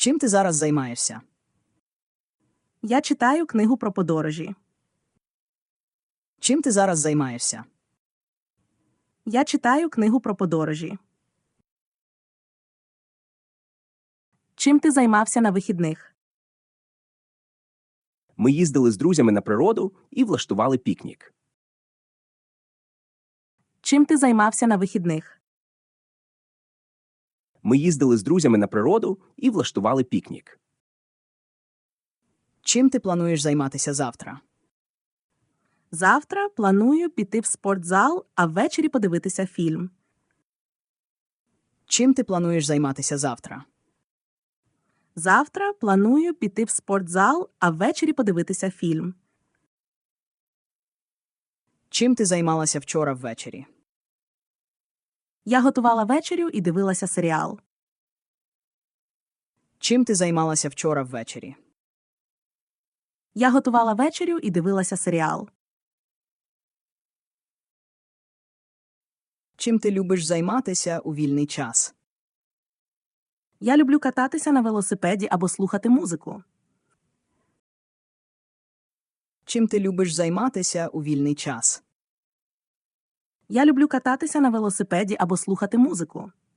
Чим ти зараз займаєшся? Я читаю книгу про подорожі. Чим ти зараз займаєшся? Я читаю книгу про подорожі. Чим ти займався на вихідних? Ми їздили з друзями на природу і влаштували пікнік. Чим ти займався на вихідних? Ми їздили з друзями на природу і влаштували пікнік. Чим ти плануєш займатися завтра? Завтра планую піти в спортзал, а ввечері подивитися фільм. Чим ти плануєш займатися завтра? Завтра планую піти в спортзал, а ввечері подивитися фільм. Чим ти займалася вчора ввечері? Я готувала вечерю і дивилася серіал. Чим ти займалася вчора ввечері? Я готувала вечерю і дивилася серіал. Чим ти любиш займатися у вільний час? Я люблю кататися на велосипеді або слухати музику. Чим ти любиш займатися у вільний час? Я люблю кататися на велосипеді або слухати музику.